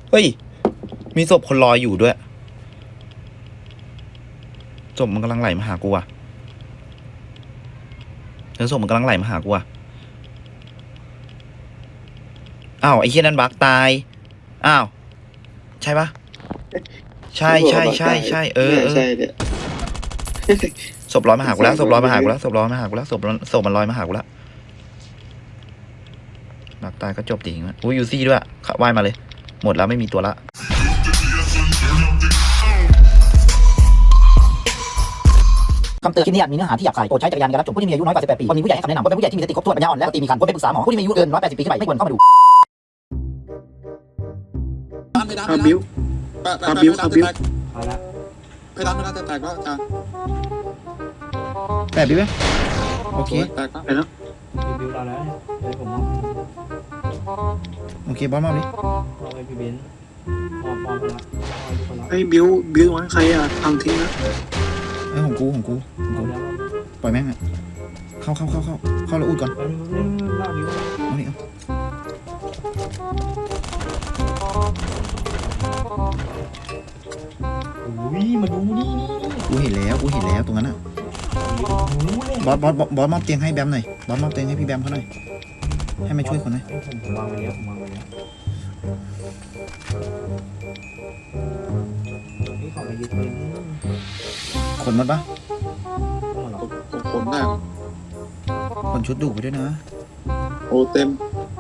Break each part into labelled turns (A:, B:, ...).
A: เฮ้ยมีศพคนลอยอยู่ด้วยศพมันกำลังไหลมาหากูอ่ะแล้วศพมันกำลังไหลมาหากูอ่ะอ้าวไอ้เหี้ยนั่นบักตายอ้าวใช่ปะใช่ใช่ใช่ใช่เออ
B: ใช่เนี่ย
A: ศพลอยมาหากูแล้วศพลอยมาหากูแล้วศพลอยมาหากูแล้วศพมันลอยมาหากูแล้วบักตายก็จบจริงแล้วอุ้ยยูซี่ด้วยว่ายมาเลยหมดแล้วไม่มีตัวละ
C: คำเตือนคลิปนี้อาจมีเนื้อหาที่หยาบคายโปรดใช้จักรยานในการรับชมผู้ที่มีอายุน้อยกว่า18 ปีควรมีผู้ใหญ่ให้คำแนะนำควรเป็นผู้ใหญ่ที่มีสติครบถ้วนปัญญาอ่อนและสติมีครรภ์ควรไปปรึกษาหมอผู้ที่มีอายุเกิน180 ปีขึ้นไปไม่ควรเข้ามาดู
B: คาบิวคาบิวคาบิว
D: เอาละ
B: เพดานจะแตกแล้วจ้า
A: แปดดิไหมโอเค
B: แตกแล้ว
D: รีวิวเราแล้วเนี่ยเดี๋ยวผมมอบ
A: โอเคบอสมาดิ
D: มอบให้พี่เบนซ์มอบไปละมอบให้ทุกคนละ
E: ไอ้บิววะใครอ่ะทำทิ้งนะ
A: ไอ้ของกู
D: เอาแล้ว
A: ปล่อยแม่งอ่ะเข้าแล้วอุดก่อน
D: เล่าดิว
A: เอานี่เอา
D: อุ้ยมาดูนี่
A: กูเห็นแล้วตรงนั้นอ่ะ บอสมอบเตียงให้แบมหน่อยบอสมอบเตียงให้พี่แบมเขาหน่อยให้มาช่วยคนหน่อย
D: ผมวางไว้แล้วนี่ขอไปยึดปืน
A: ขนมันปะ
D: ต้องมาหรอ
B: ขนได้
A: ขนชุดดุไปด้วยนะ
B: โอ้เต็ม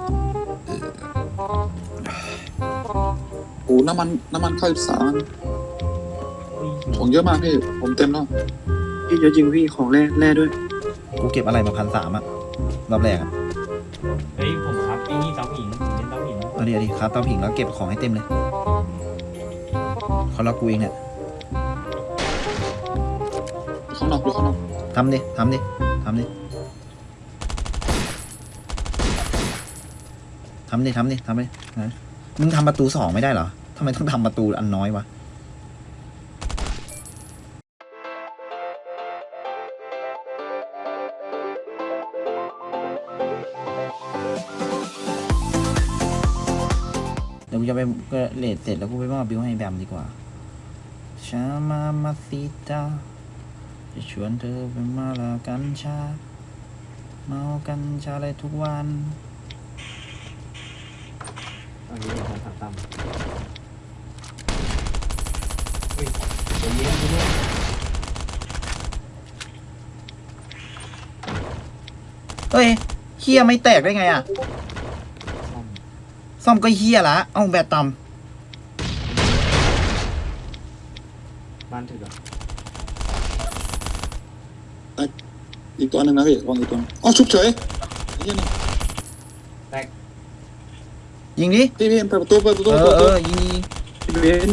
B: โอ้น้ำมันเข้าสารของเยอะมากพี่ผมเต็มแล้ว
E: พี่เยอะจริงพี่ของแร่ด้วย
A: กูเก็บอะไรมา1,300อ่ะรอบแรกอ่ะ
D: เฮ้ยผมครับไอ้นี่เตาหินผมเป็นเตาหิน
A: เอาดิครับเตาผิงแล้วเก็บของให้เต็มเลยเขาล็อกกูเองเนี่ย
B: ข้างนอกดูข้างนอก
A: ทำดินะมึงทำประตู2ไม่ได้เหรอทำไมต้องทำประตูอันน้อยวะเดี๋ยวกูจะไปเลทเสร็จแล้วกูไปมอบบิวให้แบมดีกว่าชามาซิตาจะชวนเธอไปมาลากัญชาเมากัญชาอะไรทุกวัน
D: ตอนนี้ผมสั่งตำเฮ้ยเดี๋ยวเย็นด้วย
A: เฮ้ยเฮียไม่แตกได้ไงอ่ะซ่อมก็เฮียละเอ้าแบตต่
D: บ้านถึกอ่ะ
B: อีกตัวหนึ่งนะพี่วางอีกตัวอ๋อชุบเฉยยี่นี่
A: ำยิงดิ
B: พี่เปิดประตู
A: ยิง
E: พี่เบน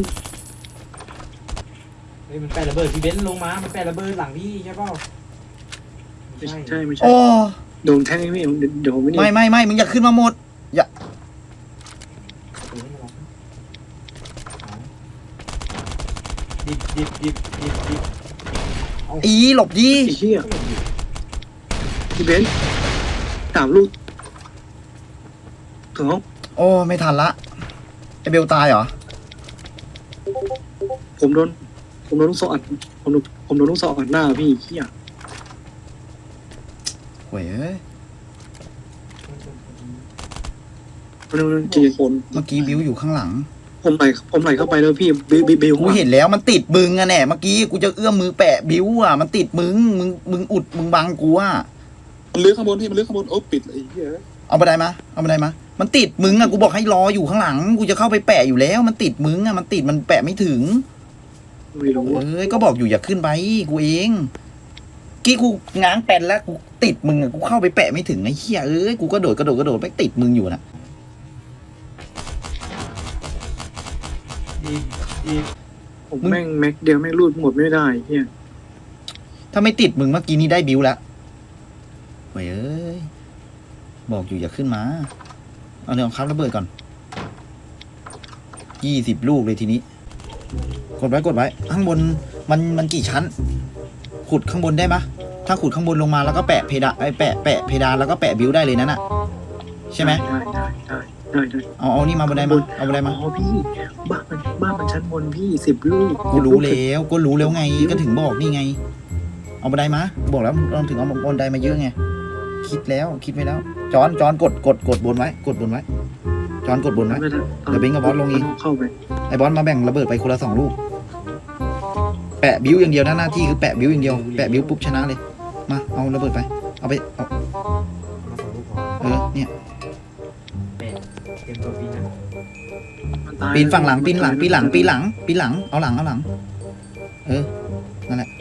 D: เฮ้ยมันแปะระเบิดพี่เบนซ์ลงมามันแปะระเบิดหลังพี่ใช่เปล่า
E: ไม่ใช่
A: โอ้
E: โดนแทงไอ้พี่เดี๋ยวผมไม่นี่
A: ไม่มึงอย่าขึ้นมาหมดอย่า
D: ประตูให้มันล็อกดิบเอา
A: อีหลบดิ
E: ไอ้เหี้ยพี่เบน3 ลูกถึงห้อง
A: โอ้ไม่ทันละไอเบลตายเหรอ
E: ผมโดนลูกศรอัดผมโดนลูกศรอัดหน้าพี่เหี้ย
A: โว้ยเอ้ย
E: มันจี
B: คน
A: เมื่อกี้บิวอยู่ข้างหลัง
E: ผมไหลเข้าไปแล้วพี่บิว
A: กูเห็นแล้วมันติดมึงอะแน่เมื่อกี้กูจะเอื้อมมือแปะบิวอะมันติดมึงอุดมึงบังกูอะ
B: มันเลื้อยข้างบนพี่มันเลื้อยข้างบนโอ้ปิดไอ้เหี้ย
A: เอาบันไดมามันติดมึงอะกูบอกให้รออยู่ข้างหลังกูจะเข้าไปแปะอยู่แล้วมันติดมึงอะมันแปะไม่ถึง
E: ไม่รู้
A: เอ้ยก็บอกอยู่อย่าขึ้นไปกูเองกี้กูง้างแปนแล้วกูติดมึงอะกูเข้าไปแปะไม่ถึงไอ้เหี้ยเอ้ยกูก็โดดไปติดมึงอยู่นะ
D: ดิบ
E: ผมแม่งแม็กเดียวแม่งรูดหมดไม่ได้เหี้ย
A: ถ้าไม่ติดมึงเมื่อกี้นี้ได้บิวแล้วเว้ยเอ้ยบอกอยู่อย่าขึ้นมาเอาเนื้อครับระเบิดก่อน20 ลูกเลยทีนี้กดไว้ข้างบนมันกี่ชั้นขุดข้างบนได้ปะถ้าขุดข้างบนลงมาแล้วก็แปะเพดานแปะเพดานแล้วก็แปะบิวได้เลยนั่นน่ะใช่ไหม
E: ได้ได้ได้
A: เอานี่มาบันไดมาเอาบันไดมา
E: อ๋อพี่บ้านมันชั้นบนพี่10 ลูก
A: กูรู้แล้วไงก็ถึงบอกนี่ไง เอาบันไดมาบอกแล้วเราถึงเอาบันไดมาเยอะไงคิดไว้แล้วจอนกดบนไว้จอนกดบนไว้
E: ไม่ได้
A: เดี๋ยวเบงกับบอสลงเอง
E: เข้าไป
A: ไอ้บอสมาแบ่งระเบิดไปคนละ2 ลูกแปะบิ้วอย่างเดียวนะหน้าที่คือแปะบิ้วอย่างเดียวแปะบิ้วปุ๊บชนะเลยมาเอาระเบิดไปเอา
D: มา
A: เอา
D: สองลูกพอ
A: เนี่ย
D: แปะเตรียมตัวปีนนะ
E: มันตาย
A: ปีนฝั่งหลังเอาหลังนั่นแหละ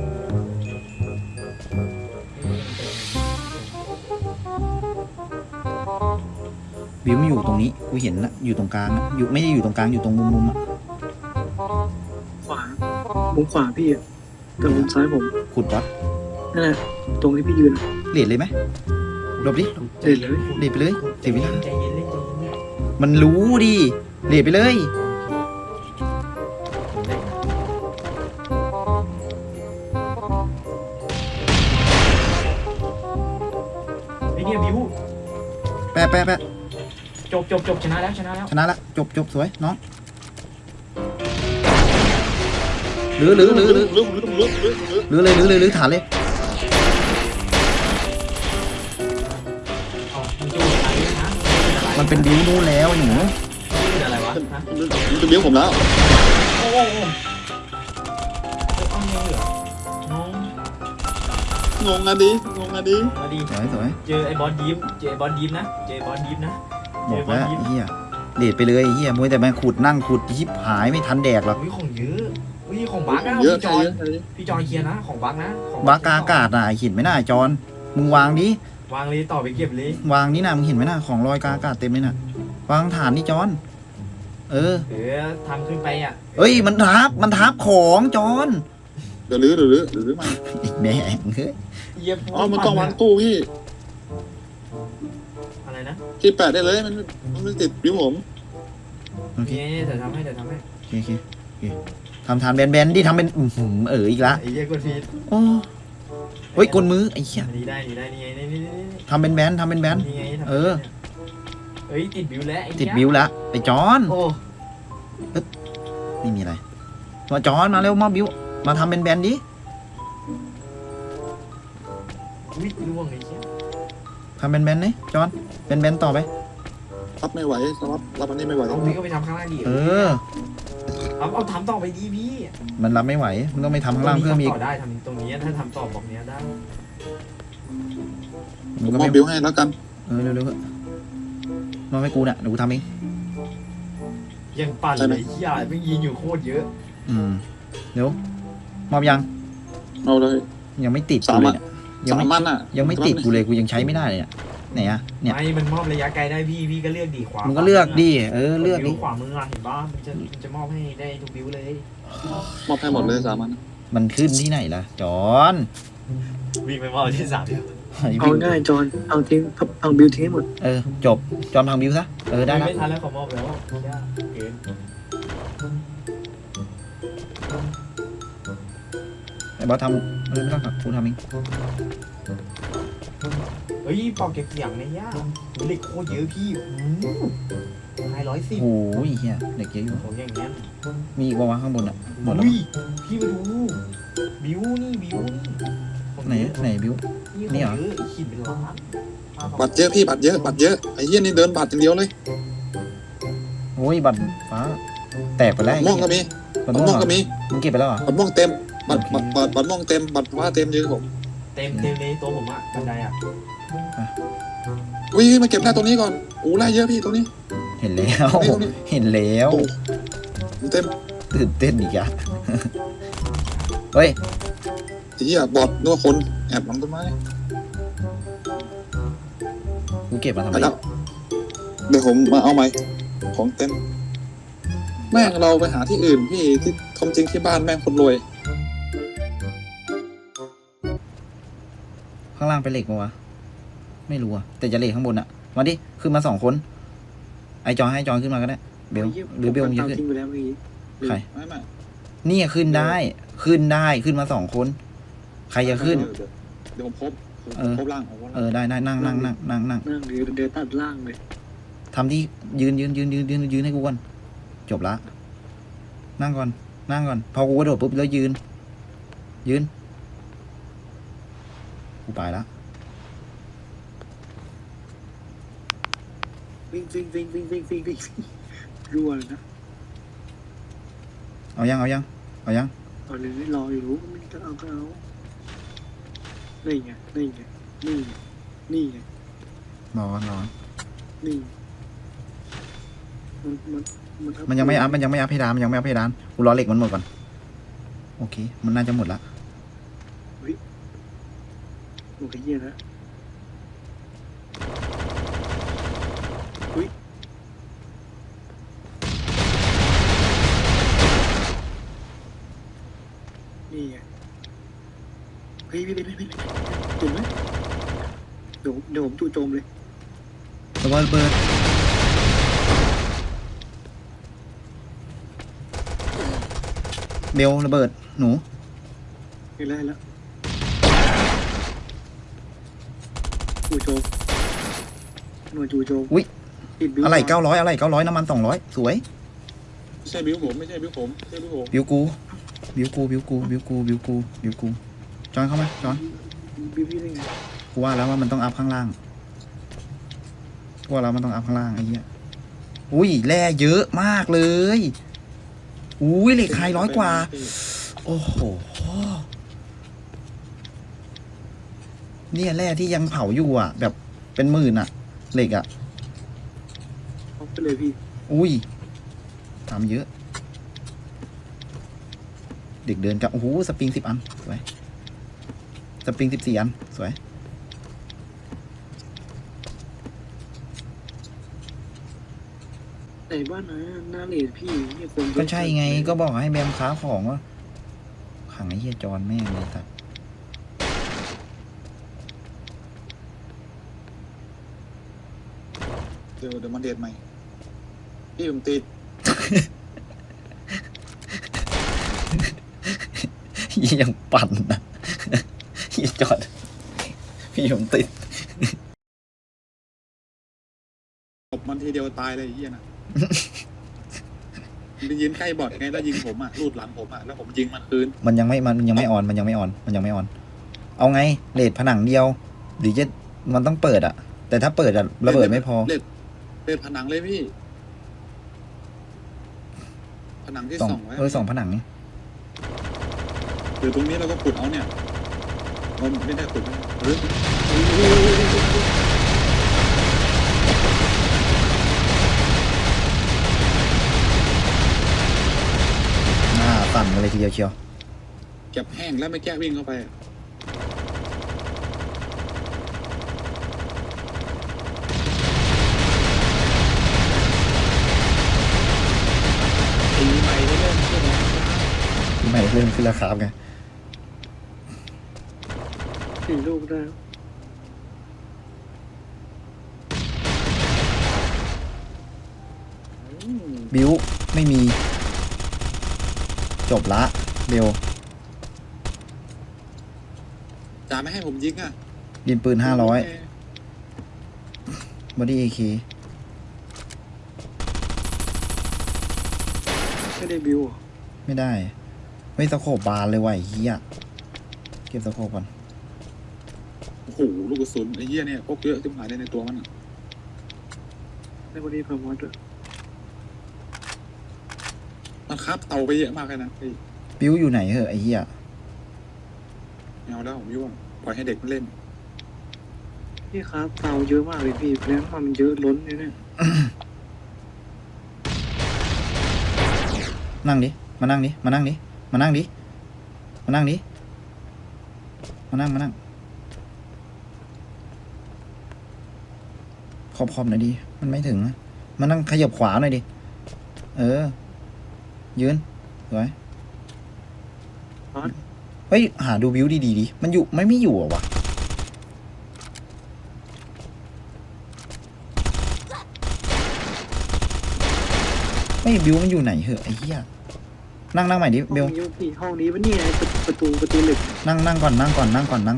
A: บิ้วไม่อยู่ตรงนี้กูเห็นนะอยู่ตรงกลางอะอยู่ไม่ได้อยู่ตรงกลางอยู่ตรงมุมอะ
E: ขวามุมขวาพี่กับมุมซ้ายผม
A: ขุดวะ
E: นั่นแหละตรงที่พี่ยืน
A: เลดเลยไหมหลบดิ
E: เด็ดเลย
A: เลดไปเลยเสียเวลา
D: ใจเย็นเล่นใจเย็น
A: มันรู้ดิเลดไปเลย
D: ไอ้เนี่ยบิว
A: แปะ
D: จบชนะแล้ว
A: ชนะละจบสวยน้องหรือฐานเลย
D: อ๋อมันจูอะไรนะ
A: มันเป็นบิ้วนู่นแล้วไอ้หนู
D: เป็นอะไรวะฮะ
B: มันจะเบี้ยวผมแล้ว
D: โอ้เอาเงี้ยเหรอน้อง
B: งงอ่ะดิ
D: มาดี
A: สวย
D: เจอไอ้บอสยิ้มนะเจอบอสยิ้มนะ
A: บอกแล้วไอ้เฮียเลดไปเลยไอ้เฮียมวยแต่มันขุดนั่งขุดยิบหายไม่ทันแดกหรอก
D: อุ้ยของเยอะอุ้ยของบักนะ
B: เยอะ
D: พี่จอย
B: เยอะ
D: พี่จอยเคลียร์นะของบักนะของ
A: วากาอากาศน่ะไอ้หินไม่น่าจอนมึงวางดิ
D: วางเลยต่อไปเก็บเลย
A: วางนี่นะมึงเห็นไหมน่ะของลอยกาอากาศเต็มเลยน่ะวางฐานนี่จอน
D: ทำขึ้นไปอ่ะ
A: เอ้ยมันทับของจอน
B: เดี๋ยวลื้อมา
A: อีกแม่งเฮ้ย
D: เยี่ยม
B: อ๋อมันต้องวางตู้พี่
D: อะไรนะ
B: ที่แปะได้เลยมันไม่ติดบิ้วผม
A: โอเค
D: นี่เดี๋ยวทำให้
A: โอเคทำฐานแบนๆดิทำเป็นอีกละ
D: ไอ้เยี่ยกดฟีด
A: โอ้เฮ้ยกลมือไอ้เหี้ย
D: นี่ได้นี่ไงนี่
A: ทำเป็นแบนทำเป็นแบน
D: นี่ไง
A: เออ
D: เอ้ยติดบิวแล้วไอ้
A: ติดบิวละไอ้จอน
D: โอ้
A: ไม่มีอะไรมาจอนมาเร็วมอบบิวมาทำเป็นแบนดิ
D: วิล่วงไอ้เชี่ย
A: ทำเป็นแบนนี่จอนเป็นแบนต่อไป
B: รับไม่ไหวรับอันนี้ไม่ไหว
D: เอาพี่ก็ไปทำข้างล่างดิ
A: เออ
D: เอาทำต่อไปดีพี่
A: มันรับไม่ไหวมันต้องไปทำข้างล่างเพิ่มอีก
D: ต่อได้ทำตรงนี้ถ้าทำต่อบอกเนี้ยได้
A: มันก็
B: มอ
A: ไม่
B: บบิ้วให้แล้วกัน
A: เร็วๆเถอะมอบให้กูน่ะเดี๋ยวกูทำเอง
D: ยังปั่นเลยเชี่ยไม่ยิงอยู่โคตรเยอะ
A: เดี๋ยวมอบยัง
B: เอาเลย
A: ยังไม่ติดกูเลยเนี่ยยัง
B: 3
A: ไม่
B: มันอ่ะ
A: ยังไม่ติดกูเลยกูยังใช้ไม่ได้เลยเนี่ยไหนอะเนี่ย
D: ไม่มันมอบระยะไกลได้พี่ก็เลือกดีขวา
A: มึงก็เลือกดิเลือกดิ
D: ขวามือเห็นป่ะมันจะมอบให้ได้ทุกบิวเลย
B: มอบให้หมดเลย3 มัน
A: มันขึ้นที่ไหนล่ะจอน
D: วิ่งไปมอบที่3บิว
E: เอาง่ายจอนเอาทิ้งเอาบิวทิ้งให้หมด
A: จบจอนพังบิวซะได้ละ
D: ไม่ทันแล้วเขามอบแล้วเกิน
A: ไอ้บอสทำไม่ต้องขับกูทำเอง
D: เฮ้ยปอกเก็บเสียงในย่าเหล็กโคตรเยอะพี่510
A: โอ้ยเฮียเด็กเยอะอยู่
D: ของอย่างเงี้ย
A: มีอีกวะข้างบนอ่ะหมดแล้ว
D: อุ้ยพี่มาดูบิวนี่ของ
A: ไหนบิว
D: นี่เหรอขีดเป็นล้าน
B: บัตรเยอะพี่บัตรเยอะไอ้เหี้ยนี่เดินบัตรอย่างเดียวเลย
A: โอ้ยบัตรฟ้าแตกไปแล้ว
B: ม่วงก็มี
A: บัตร
B: บัตร
A: ม่
B: ม่
A: ว
B: ว
A: ง
B: งก็มี
A: มึงเก็บไปแล้วเหรอ
B: บัตรม่วงเต็มบัตรม่วงเต็มบัตรฟ้าเต็มยืนผม
D: เต็มเลยตัวผมอ่ะบันไดอ่ะ
B: อุ้ยมาเก็บได้ตรงนี้ก่อนโอ้ไล่เยอะพี่ตรงนี้
A: เห็นแล้วเห็นแล้ว
B: เต็ม
A: ตื่นเต้นอีกอะเฮ้ย
B: ไอ้เหี้ยบอดนึกว่าคนแอบหลังต้นไม้
A: กูเก็บมาทำ
B: ไป
A: ไม
B: แล้วเดี๋ยวผมมาเอาใหม่ของเต็มแม่งเราไปหาที่อื่นพี่ที่ทำจริงที่บ้านแม่งคนรวย
A: ข้างล่างเป็นเหล็กปะวะไม่รู้อะแต่จะเหล็กข้างบนอะมาดิขึ้นมา2 คนไอจอยให้จอยขึ้นมาก็ได้เบลหรือเบลมึงจะขึ้น
E: ทิ้งไปแล้วเมื่อกี้
A: ใคร
B: ไม่
A: นี่ขึ้นได้ขึ้นมา2 คนใครจะขึ้น
B: เดี๋ยวผมพบล่าง
A: ได้นั่ง
E: นั่งหรือเดินตัดล่างเลย
A: ทำที่ยืนให้กูก่อนจบละนั่งก่อนพอกูกระโดดปุ๊บแล้วยืนกูไปละ
E: วิ่งรัวเลยนะ
A: เอายัง
E: เอาเลยรออยู่รู้ไม่ก็เอานี่ไงนี่ไง
A: นอน
E: นี่มัน
A: มันยังไม่อัพเพดานกูรอเหล็กมันหมดก่อนโอเคมันน่าจะหมดละ
E: โอเคเยี่ยแล้วนี่ไงเฮ้ยเห็นไหมเดี๋ยวผมจู่โจมเลย
A: ระเบิดเบลระเบิดหนู
E: เห็นแล้วจู่โจมหน่วยจู่โจม
A: อุ๊ย
E: ติดบิ้ว
A: อะไร900น้ำมัน200สวย
B: ไม่ใช่บิ้วผมไม่ใช่บิ้วผม
A: บิวกูจอนเข้ามาจอน
E: บิ้วพี่ได้ไง
A: กูว่าแล้วว่ามันต้องอัพข้างล่างไอ้เหี้ยอุ้ยแร่เยอะมากเลยอุ้ยเหล็กไฮ100 กว่า โอ้โหเนี่ยแร่ที่ยังเผาอยู่อ่ะ แบบเป็นหมื่นอ่ะเหล็กอ่ะ
E: เอาไปเลยพี่
A: อุ้ยทำเยอะ เด็กเดินกับโอ้โหสปริง10 อันสวยสปริง14 อันสวย
E: ไหนบ้านนะหน้าเลดพี่เนี่ยคน
A: ก็ใช่ไงก็บอกให้แบมค้าของว่าขังไอ้เหี้ยจอนแม่งเลยสัตว์
B: เดี๋ยวมันเดทใหม่พี่ผมติด
A: ยังปั่นนะเหี้ยจอนพี่ผมติด
B: ตบมันทีเดียวตายเลยไอ้เหี้ยนะ มันไปยืนใกล้บอดไงแล้วยิงผมอ่ะรูดหลังผมอ่ะแล้วผมยิงมันคืน
A: มันยังไม่ออนเอาไงเลดผนังเดียวหรือจะมันต้องเปิดอ่ะ แต่ถ้าเปิดอ่ะระเบิดไม่พอ
B: เล่นผนังเลยพี่ ผนังที่ส่องไว้
A: สองผนังนี่
B: หรือตรงนี้เราก็ขุดเอาเนี่ยมันไม่ได้ขุดนะหรือ
A: หน้าสั่นมาเลยทีเดียวเชียว
B: เก็บแห้งแล้วไม่แก้วิ่งเข้าไปอะปีใหม่ได้เริ่มขึ้นแล้ว
A: ที่ไม่เริ่มขึ้นราคาไง
E: 4 ลูกได้
A: บิวไม่มี จบละเบล
B: จ่าไม่ให้ผมยิงอ่ะ
A: ดินปืน500บอดี้AK
E: ไม่ได้บิวเหรอ
A: ไม่ได้ไม่สโคบบานเลยว่ะไอ้เหี้ยเก็บสโคบก่อน
B: โอ้โหลูกกระสุนไอ้เหี้ยเนี่ยพกเยอะที่หายได้ในตัวมันอะ
E: ได้บอดี้พามอสด้วย
B: มันคาบเตาไปเยอะมากเลยนะไอ้
A: บิวอยู่ไหนเหอะไอ้เหี้ย
B: แมวแล้วผมยุ่งปล่อยให้เด็กมันเล่น
E: พี่ครับเตาเยอะมากเลยพี่เพราะฉะนั้นมันเยอะล้นเนี่ย
A: นั่งดิมานั่งขอบหน่อยดิมันไม่ถึงนะมานั่งขยับขวาหน่อยดิยืนสวยเฮ้ยหาดูบิวดีดิมันอยู่ไม่อยู่อ่ะวะไม่บิวมันอยู่ไหนเหอะไอ้เหี้ยนั่งใหม่ดิเบล
E: ห้องนี้วะเนี่ยประตูเหล็ก
A: นั่งก่อนนั่ง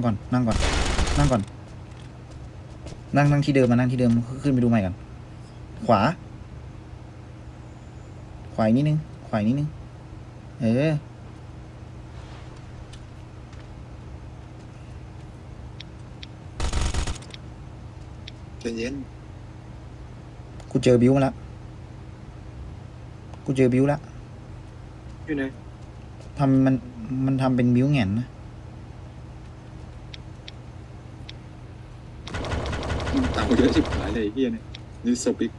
A: ที่เดิมมานั่งที่เดิมขึ้นไปดูใหม่กันขวาอีกนิดนึงขวาอีกนิดนึง
B: ใจเย็น
A: กูเจอบิวมาแล้ว
E: อยู่ไหน
A: ทำมันทำเป็นบิวแง่นนะ
B: เต่าเยอะชิบหายเลยไอ้เฮียเนี่ยนี่ศพอีก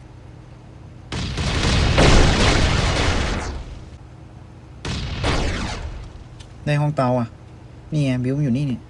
A: ในห้องเตาอ่ะนี่ไงบิวมันอยู่นี่เนี่ย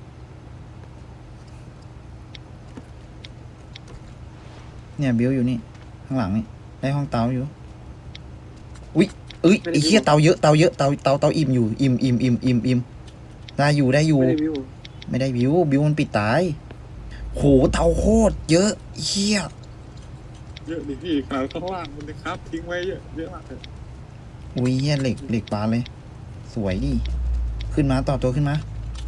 A: บิวอยู่นี่ข้างหลังนี่ได้ห้องเตาอยู่อุ้ยไอ้เหี้ยเตาเยอะเตาอิ่มอยู่อิ่มได้อยู่
E: ไม่ได้วิว
A: ไม่ได้บิวมันปิดตายโหเตาโคตรเยอะเหี้ย
B: เยอะดิพี่ขนาดข้างล่างมันนะครับทิ้งไว้เยอะมากเลย
A: อุ้ยเหี้ยเหล็กปานเลยสวยดิขึ้นมาต่อตัวขึ้นมา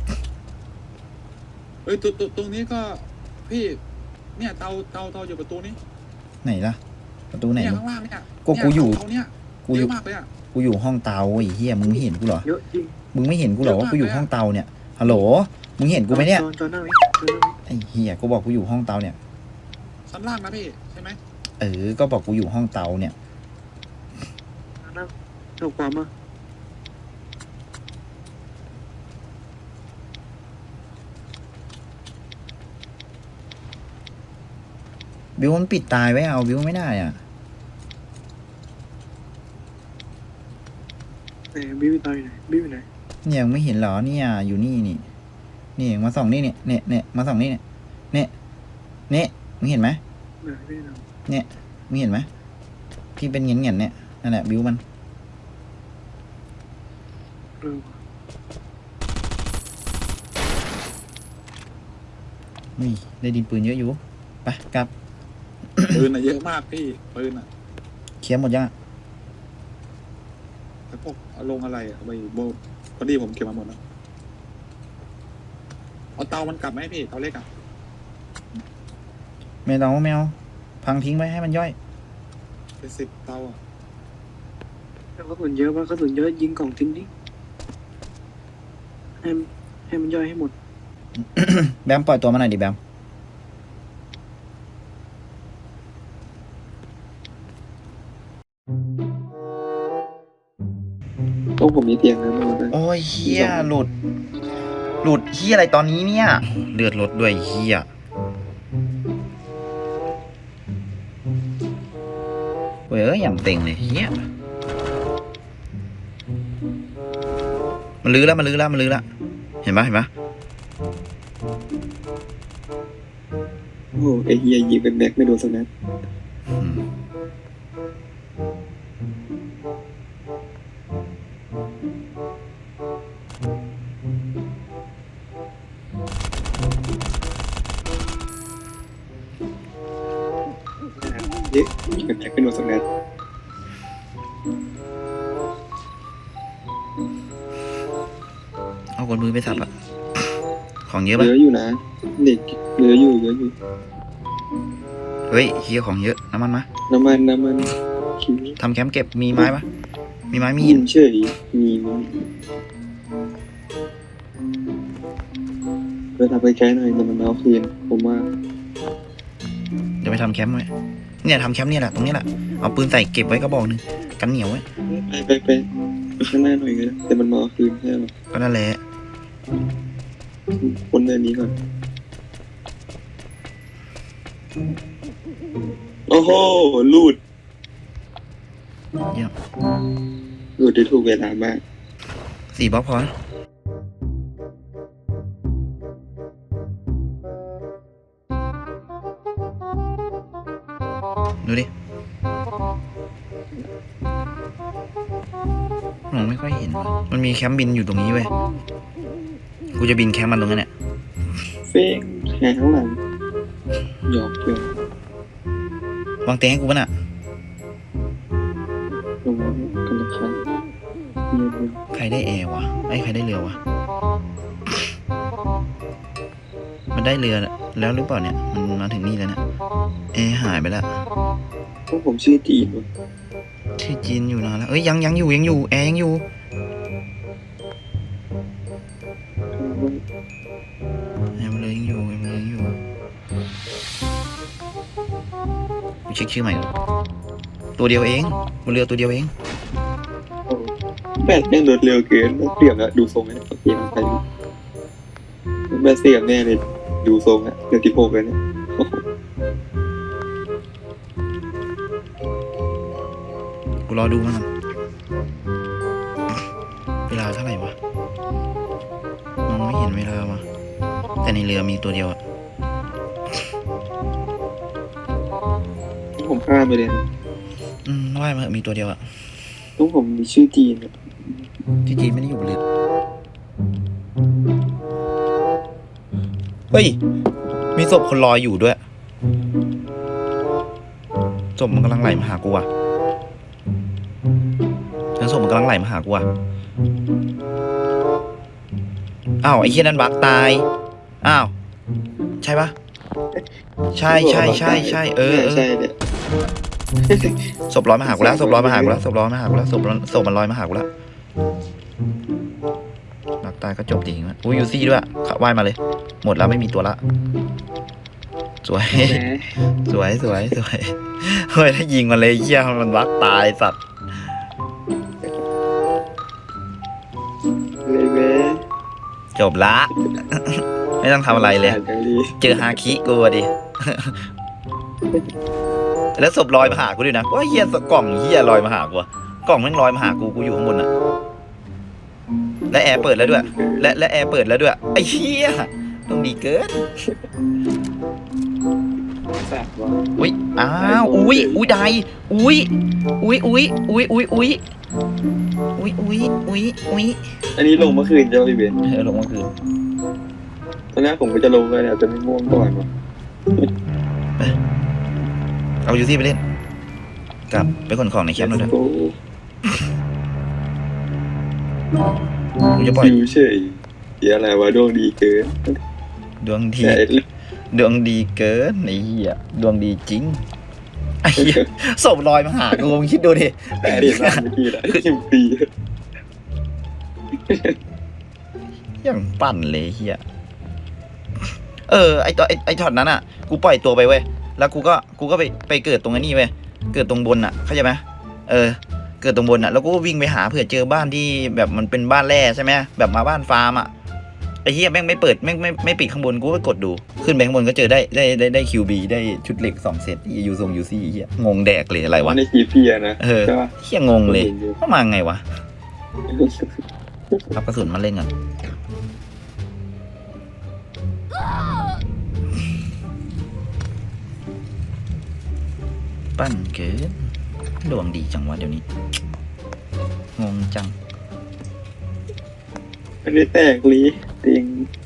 B: เอ้ยตรงนี้ก็พี่เนี่ยเตาอยู่ประตูนี้
A: ไหนล่ะประตูไหน
B: เนี่ย
A: วะ
B: ข้างล่างเนี่ย
A: กูอยู่
B: เตาเนี่ย
A: กู
B: เย
A: อยู่
B: อะมากเลยอ่ะ
A: กูอยู่ห้องเตาไอ้เหี้ยมึงไม่เห็นกูเหรอ
E: เยอะจริง
A: มึงไม่เห็นกูเหรอว่ากูอยู่ห้องเตาเนี่ยฮัลโหลมึงเห็นกูไหมเนี่ย
E: จอนนั่งนี่
A: ไอ้เหี้ยกูบอกกูอยู่ห้องเตาเนี่ย
B: ชั้นล่างนะพี่ใช่ไหม
A: ก็บอกกูอยู่ห้องเตาเนี่ย
E: นั่งเอาความมา
A: บิวมันปิดตายไว้เอาบิวไม่ได้อ่ะ
E: ไหนบิวตายไหนบิวไหน
A: เนี่ยยังไม่เห็นเหรอเนี่ยอยู่นี่นี่มาส่องนี่เนี่ยมาส่องนี่เนี่ยมึงเห็นไหม
E: ไหนไม่ได้
A: มึงเห็นไหมที่เป็นเงี้ยเนี่ยนั่นแหละบิวมัน
E: เออ
A: นี่ได้ดินปืนเยอะอยู่ไปกลับ
B: ปืนอะเยอะมากพี่ปืนอะ
A: เคลียร์หมดยังอะ
B: แล้วพวกเอาลงอะไรอะไปโบพอดีผมเก็บมาหมดแล้วเอาเตามันกลับไหมพี่เตาเล็กอะ
A: แมวพังทิ้งไว้ให้มันย่อย
B: เป็น10 เตาอะ
E: แล้วกระสุนเยอะป่ะกระสุนเยอะยิงกล่องทิ้งดิให้มันย่อยให้หมด
A: แบมปล่อยตัวมาหน่อยดิแบม
E: ต้องผมมีเตียงนะมัน
A: โอ้ยเฮียหลุดเฮียอะไรตอนนี้เนี่ยเลือดลดด้วยเฮียเว้ยอย่างเต็งเลยเฮียมันลื้อแล้วเห็นปะ
E: โอ้ไอเฮียยิงเป็นแม็กไม่โดนสักนัด
A: อืม
E: เย้ยิงเป็นแม็กไม่โดนสักนัด
A: เอากดมือไปสับอะของเยอะ
E: เห
A: ปะ
E: ลืออยู่นะเด็กเหลืออยู่
A: เฮ้ยเฮียของเยอะน้ำมันมา
E: น้ำมันคิว
A: ทำแคมป์เก็บมีไม้ปะมีไม้มี
E: หิ
A: หิ
E: น
A: น
E: เฉยมีเพื่อทำไปแค่หน่อยแต่มันเอาคืนผมว่า
A: เดี๋ยวไปทำแคมป์ไว้เนี่ยทำแคมป์เนี่ยแหละตรงนี้แหละเอาปืนใส่เก็บไว้กระบอกหนึ่งกันเหนียวไว้
E: ไปข้างหน้าหน่อยก็ได้แต่มันมาเอาคืนใช่ไหม
A: ก็นั่นแหละ
E: คนเดินนี้ก่อนโอ้โหลูด
A: เยี่ยม
E: ลูดได้ถูกเวลามาก
A: 4 บล็อกพอนะดูดิมองไม่ค่อยเห็น มันมีแคมป์บินอยู่ตรงนี้เว้ย กูจะบินแคมป์มันตรงนั้นเนี่ย
E: เฟ้งแหงข้างหลังหยอกเกิน
A: วางเตียงให้กูป่ะน่ะ
E: ลงมากันละครั้งเงียบ
A: ใครได้แอร์วะไอ้ใครได้เรือวะ มันได้เรือแล้วหรือเปล่าเนี่ย มันมาถึงนี่แล้วเนี่ย แอหายไปแล้ว
B: พวกผมชื่อจีนวะ
A: ชื่อจีนอยู่นานแล้วเอ้ยยังอยู่แอร์ยังอยู่แอร์มันเลยยังอยู่กูเช็คชื่อใหม่ก่อนตัวเดียวเองบนเรือตัวเดียวเอง
B: แบตแม่งรถเร็วเกินเสียบแล้วดูทรงแล้วโอเคมันไปแบตเสียบแน่เลยดูทรงแล้วเดือนที่6เลยเนี่ย
A: กูรอดูมันก่อนเวลาเท่าไหร่วะมองไม่เห็นเวลาวะแต่ในเรือมีตัวเดียวอะ
B: ผมข้ามไปเลยนะ
A: ว่ายมาเถอะมีตัวเดียวอะ
B: ต้องผมมีชื่อจีนอะ
A: ที่จีนไม่ได้อยู่บนเรือเฮ้ยมีศพคนลอยอยู่ด้วยศพมันกำลังไหลมาหากูอะแล้วศพมันกำลังไหลมาหากูอะอ้าวไอ้เหี้ยนั่นบักตายอ้าวใช่ปะใช่เออ
B: ใช่เนี่ย
A: ศพลอยมาหากูแล้วศพมันลอยมาหากูแล้วหลักตายก็จบจริงๆอุ้ยยูซี่ด้วยว่ายมาเลย หมดแล้วไม่มีตัวละสวย
B: แหม
A: สวยเฮ้ยถ้ายิงมันเลยเหี้ยมันวักตายสัตว์
B: เลยแม่
A: จบละ ไม่ต้องทำอะไรเลย
B: จังดี
A: เจอฮาคิกูอะดิ แล้วศพลอยมาหากูด้วยนะว่าเฮียกล่องเฮียลอยมาหากูอะกล่องแม่งลอยมาหากูอยู่ข้างบนอะและแอร์เปิดแล้วด้วย และแอร์เปิดแล้วด้วยไอ้เฮียต้องดีเกิน
B: แสบว่ะ
A: อุ้ยอ้าวอุ้ยได้อุ้ย
B: อันนี้ลงเมื่อคืนเจ้าพี่เบน
A: ลงเมื่อคืน
B: ตอนแรกผมก็จะลงเลยเนี่ยแต่ไม่ง่วงก่อนวะ
A: เอายูซี่ไปเล่นกลับไปขนของในแคมป์เราด้วย
B: โอ้
A: กูจะปล่อย
B: อยู่เฉยเดี๋ยวอะไรวะดวงดีเกิน
A: ดวงดี
B: แต่
A: ดวงดีเกินไอ้เหี้ยดวงดีจริงไอ้เหี้ยศพลอยมาหากูมึงคิดดูดิ
B: แต่เดี๋ยวมาเมื่อกี้แหละ10 ปี
A: ยังปั่นเลยเหี้ยไอ้ตัวไอ้ช็อตนั้นอ่ะกูปล่อยตัวไปเว้ยแล้วกูก็ไปเกิดตรงนี้เว้ยเกิดตรงบนอ่ะเข้าใจไหมเกิดตรงบนอ่ะแล้วกูก็วิ่งไปหาเผื่อเจอบ้านที่แบบมันเป็นบ้านแร่ใช่ไหมแบบมาบ้านฟาร์มอ่ะไอ้เหี้ยแม่งไม่เปิดแม่งไม่ปิดข้างบนกูก็กดดูขึ้นไปข้างบนก็เจอได้คิวบีได้ชุดเหล็ก2 เซตยูทรงยูซี่เหี้ยงงแดกเลยอะไรวะ
B: ในกีเพียนะใช่ปะ
A: เหี้ยงงเลยเข้ามาไงวะเอากระสุนมาเล่นกันปั้นเกินดวงดีจังวะเดี๋ยวนี้งงจัง
B: อันนี้แตกลีติง